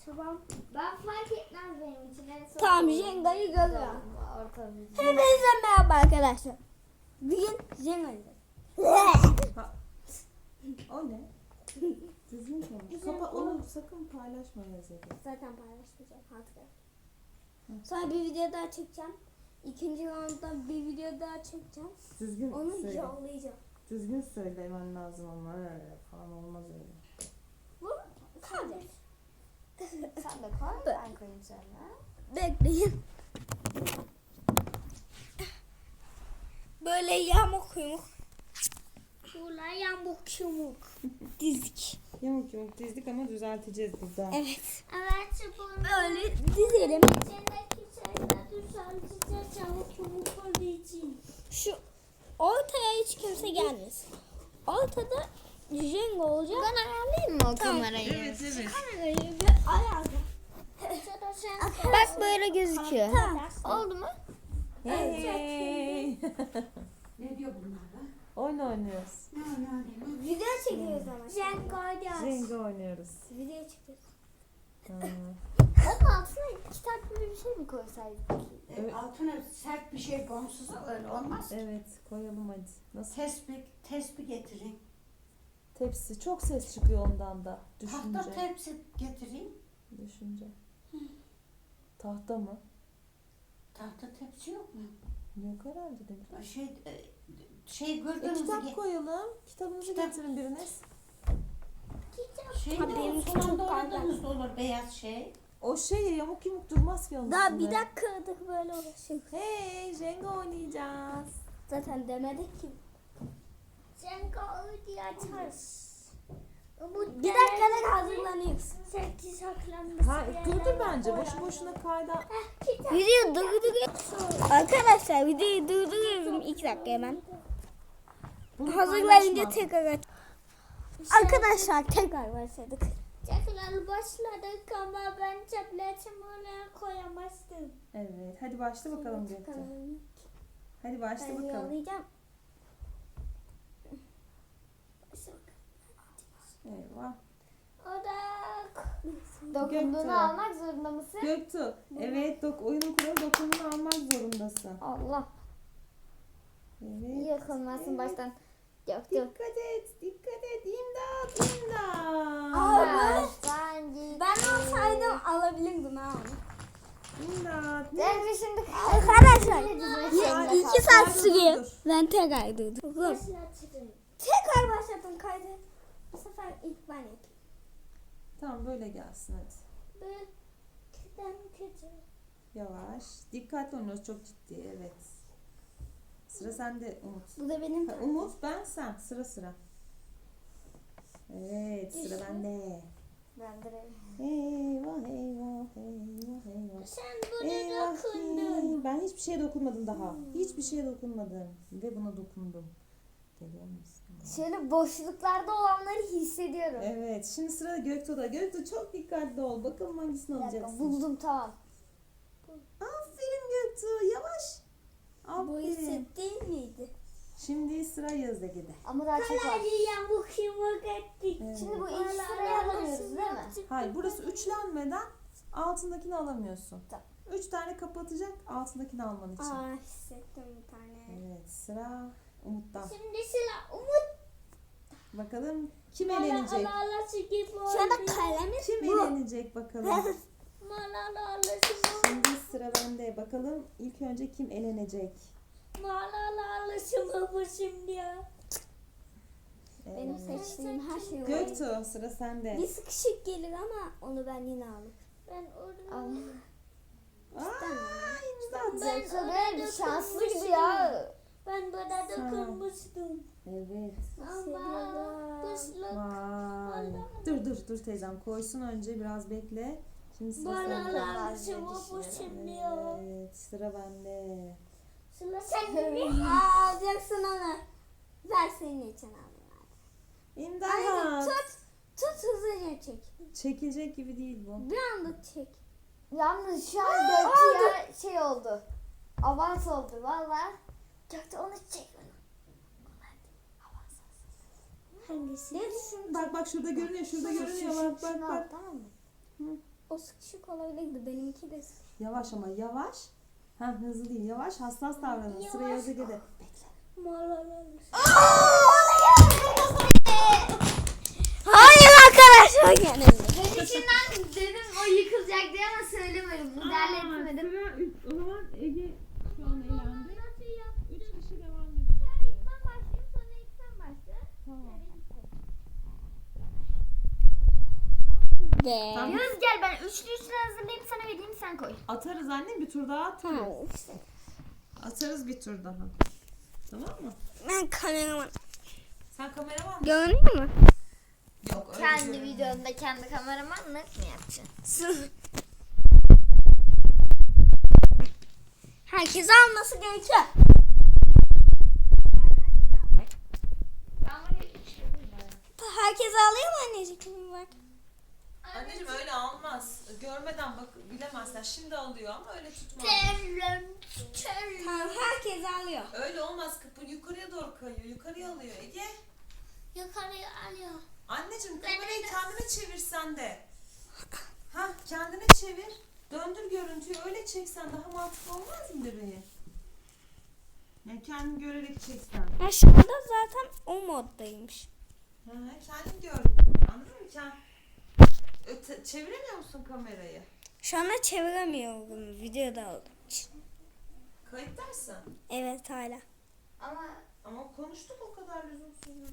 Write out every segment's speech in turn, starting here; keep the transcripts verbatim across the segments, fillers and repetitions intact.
Tamam. Ben fark etmez benim için. En son Tamam, olur. Jenga'yı görüyorum. Orta bir- Hepinize merhaba arkadaşlar. Bugün Jenga oynayacağız. O ne? Düzgün konuş. Kapa onu sakın paylaşma yazıyı. Zaten paylaşmayacağım hatıra. Sonra bir video daha çekeceğim. İkinci roundda bir video daha çekeceğim. Düzgün Onu söyle. yollayacağım. Düzgün söylemen lazım ama öyle falan olmaz öyle. Bu kardeş. Sen de koy. Ben koyayım sonra. Bekleyin. Böyle yamuk yumuk. Şurada yamuk yumuk. Dizik. Yamuk yamuk dizdik ama düzelteceğiz burada. Evet. Evet. Bunu Böyle dizelim. içindeki şeyler düzelteceğiz. Çabuk çabuk olduğu için. Şu ortaya hiç kimse gelmesin. Ortada Jenga olacak. Ben ayarlayayım mı o Tamam. kamerayı? Evet evet. Kamerayı bir ayarla. Bak böyle gözüküyor. Tamam. Oldu mu? Hey. Ne diyor bunlar lan? Oyun oynuyoruz. Ne ne ne? Video çekiyoruz ama. Jenga Jenga oynuyoruz. Video çekiyoruz. Ha. Onun altına kitap gibi bir şey mi koysaydık? Evet. Altına sert bir şey komşusu öyle olmaz. Evet koyalım hadi. Nasıl? Tespih, tespih getirin. Tepsi. Çok ses çıkıyor ondan da. Düşünce. Tahta tepsi getireyim. Düşünce. Tahta mı? Tahta tepsi yok mu? Yok herhalde de. Şey, e, şey E, gördünüz mü? kitap koyalım. Kitabınızı Kitap. getirin biriniz. Şey Tabii, de benim o çok solanda kaygan. oynadığınız da olur beyaz şey. O şey yamuk yumuk durmaz ki onun Daha üstünde. bir dakika kırdık böyle uğraşıyor. Hey Jenga oynayacağız. Zaten demedik ki. Jenga öyle açarız. Bir dakikada hazırlanıyoruz. Sekiz saklanması. Hayır durdur bence. Boşu boşuna kayda. Video durduruyorum. Arkadaşlar videoyu durduruyorum iki dakika hemen. Bunu Hazırlayınca paylaşma. tekrar aç. Arkadaşlar tekrar başladık. Tekrar başladık ama ben tabletimi oraya koyamazdım. Evet. Hadi başla bakalım Gökçe. Hadi başla Ben bakalım. yollayacağım. Eyvah. Odak. Göktuğ. Dokunduğunu almak zorunda mısın? Göktuğ. Evet dok oyunun kuralı dokununu almak zorundasın. Allah. Evet. Yakılmasın Evet. baştan. Göktuğ. Dikkat et. Dikkat et. İmdat. İmdat. Aa, Baştan git. Ben olsaydım alabilirdim ha onu. İmdat. Ben şimdi Arkadaşlar Ay, iki saat sürüyor. Ben tekrar durdum. başlatırım. Tekrar başladım kaydı. Bu sefer ilk ben yapayım. Tamam böyle gelsin hadi. Ben kötüden kötü. Yavaş. Dikkatli oynuyoruz. Çok ciddi. Evet. Sıra sende Umut. Bu da benim Ha, Umut ben sen. Sıra sıra. Evet sıra bende. Ben de Eyvah eyvah eyvah eyvah. Sen bunu Eyvah dokundun. ki. Ben hiçbir şeye dokunmadım daha. Hiçbir şeye dokunmadım. Ve buna dokundum. Geliyor musun? Şöyle boşluklarda olanları hissediyorum. Evet. Şimdi sıra Göktuğ'da. Göktuğ çok dikkatli ol. Bakalım hangisini Bir dakika, alacaksın. buldum tamam. Aferin Göktuğ. Yavaş. Bu Aferin. hisset değil miydi? Şimdi sıra Yazdegi'de. Ama daha çok var. yamuk yumuk ettik. Evet. Şimdi bu ilk sırayı alamıyoruz değil mi? Hayır burası üçlenmeden altındakini alamıyorsun. Tamam. Üç tane kapatacak altındakini alman için. Aa hissettim bir tane. Evet sıra Umut'tan. Şimdi sıra Umut. Bakalım kim elenecek? Malala gibi Şu anda kalemi Kim bu. elenecek bakalım. Malala Şimdi sıra bende. Bakalım ilk önce kim elenecek? Malala bu şimdi ya. Benim Evet. seçtiğim her şey var. Göktuğ sıra sende. Bir sıkışık gelir ama onu ben yine alırım. Ben orada. Aa, imdat. Ben Yoksa orada böyle bir şanslı gibi ya. Ben bana Sağ ol. dokunmuştum. Evet. Ama kışlık. Vay. Dur dur dur teyzem koysun önce biraz bekle. Şimdi sıra sende. Malala bu şimdi ya. Evet sıra bende. Sıra sende. Aa alacaksın onu. Ver senin için alayım. İmdat. Aynen tut. Tut hızlıca çek. Çekilecek gibi değil bu. Bir anda çek. Yalnız şu an Gökçe'ye şey oldu. Avans oldu valla. Gökçe onu çek. Hangisi? Bak bak şurada görünüyor şurada görünüyor bak bak Şunu al, bak. tamam mı? o sıkışık olabilirdi. Benimki de sıkışık. Yavaş ama yavaş. Ha hızlı değil yavaş hassas davranın. Sıraya hızlı gidin. Bekle. Hayır arkadaşlar gene. Ben içinden dedim o yıkılacak diye ama söylemedim. Müdahale etmedim. O zaman Ege şu an eğlendi. Üç kişi devam ediyor. Ben başlayayım sonra ilk sen başla. Tamam. Be. Tamam. Yunus gel ben üçlü üçlü hazırlayayım sana vereyim sen koy. Atarız annem bir tur daha atarız. Ha, işte. Atarız bir tur daha. Tamam mı? Ben kameraman. Sen kameraman mısın? Görünüyor mu? Yok öyle Kendi görünmüyor. videonda kendi kameramanlık mı yapacaksın? Herkes alması gerekiyor. Herkes alıyor mu anneciğim? Bak. Anneciğim öyle almaz. Görmeden bak bilemezler. Şimdi alıyor ama öyle tutmaz. Tamam herkes alıyor. Öyle olmaz. Kapı yukarıya doğru kayıyor. Yukarıya alıyor Ege. Yukarıya alıyor. Anneciğim kamerayı kendine çevirsen de. Ha kendine çevir. Döndür görüntüyü öyle çeksen daha mantıklı olmaz mı bebeği? Yani kendin görerek çeksen. Ya şu anda zaten o moddaymış. Ha, kendin gör. Anladın mı? Kend... Öte, çeviremiyor musun kamerayı? Şu anda çeviremiyorum videoda olduğum için. Kayıttaysın. Evet hala. Ama Ama konuştuk o kadar lüzumsuz.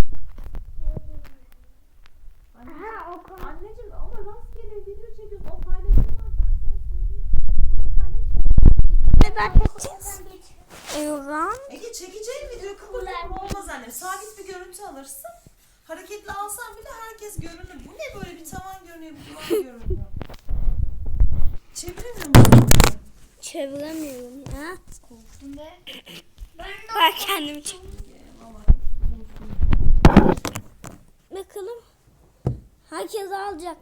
Ha o konu. Anneciğim ama rastgele video çekiyorsun. O paylaşılmaz. Ben sana söyleyeyim. Neden geçeceğiz? Eyvah. Ege çekeceğin video kıpırdatma olmaz annem. Sabit bir görüntü alırsın. Hareketli alsan bile herkes görünür. Bu ne böyle bir tavan görünüyor, bir duvar görünüyor. Çeviremiyor musun? Çeviremiyorum ya. korktum be. Bak kendim çek. Ama Bakalım. Herkes alacak.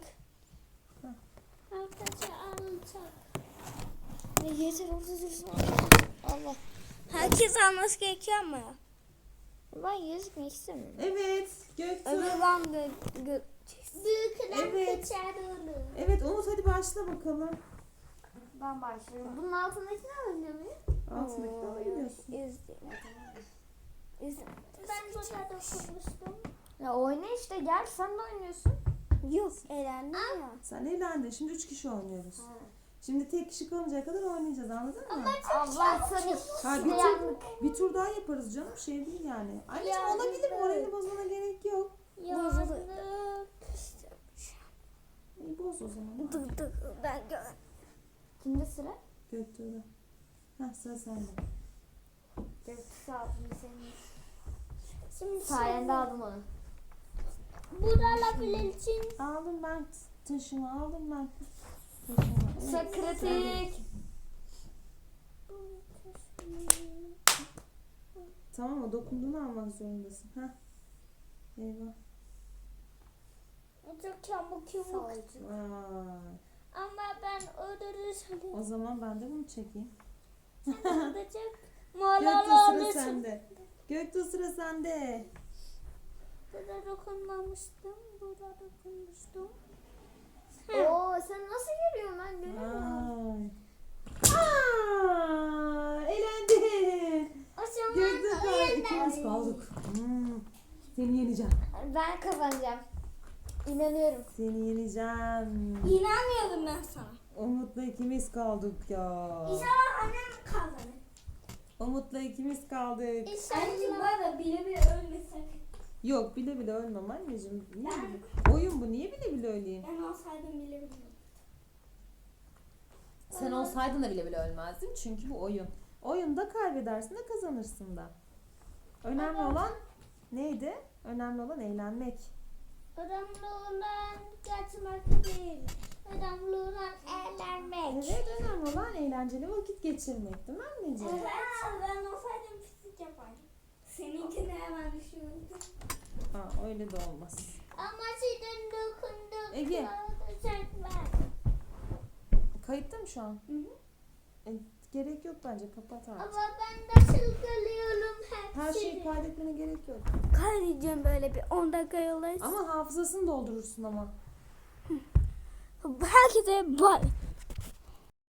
Herkes alacak. Ne yeter orada dursun. Allah. Herkes alması gerekiyor ama. Ben gözükmek istemiyorum. evet, Göktuğ. Öbür ben gö gö Büyükler Evet. kaçar olur. Evet, Umut hadi başla bakalım. Ben başlıyorum. Bunun altındakini alınca mı? Altındaki de alabiliyorsun. İzleyin. İzleyin. Ben burada dokunmuştum. Ya oyna işte gel sen de oynuyorsun. Yok eğlendim ya. Sen eğlendin. Şimdi üç kişi oynuyoruz. Şimdi tek kişi kalıncaya kadar oynayacağız, anladın mı? Allah seni. Ha, bir, tur, bir tur daha yaparız canım, şey değil yani. Anneciğim olabilir, moralini bozmana gerek yok. Bozuldu. İyi boz o zaman. Dur dur ben gör. Kimde sıra? Göktuğ'da. Heh, sıra sende. Göktüsü aldım senin. Şimdi Sayende aldım onu. Burada için. Aldım ben taşımı, aldım ben taşımı. Evet, Çok kritik. Tamam mı? Dokunduğunu almak zorundasın. Heh. Eyvah. Çok çabuk yumruk. Vay. Ama ben öldürürsem. O zaman ben de bunu çekeyim. Öldürecek. Göktuğ Malala sıra alırsın. sende. Göktuğ sıra sende. Burada dokunmamıştım. Burada dokunmuştum. Oo sen nasıl görüyorsun ben göremiyorum. Ay. Aa, eğlendin. O zaman Göktuğ kaldı. İkimiz kaldık. Hmm. Seni yeneceğim. Ben kazanacağım. İnanıyorum. Seni yeneceğim. İnanmıyorum ben sana. Umut'la ikimiz kaldık ya. İnşallah annem kazanır. Umut'la ikimiz kaldık. Anneciğim var da bile bile ölmesek. Yok bile bile ölmem anneciğim. Niye Ben- bile? Oyun bu. Niye bile bile öleyim? Ben olsaydım bile bile. Sen olsaydın da bile bile ölmezdin. Çünkü bu oyun. Oyunda kaybedersin de kazanırsın da. Önemli olan neydi? Önemli olan eğlenmek. Önemli olan kaçmak değil. Önemli olan eğlenmek. Evet, önemli olan eğlenceli vakit geçirmek, değil mi anneciğim? Evet. Ben olsaydım pislik yapardım. Seninkini hemen düşünürdüm. Ha, öyle de olmaz. Ama senin dokunduk. Ege. Çekmez. Kayıtta mı şu an? Hı hı. E, gerek yok bence. Kapat artık. Ama ben nasıl görüyorum hepsini. Her şeyi kaydetmene gerek yok. Kaydedeceğim böyle bir on dakika yolayız. Ama hafızasını doldurursun ama. herkese bay.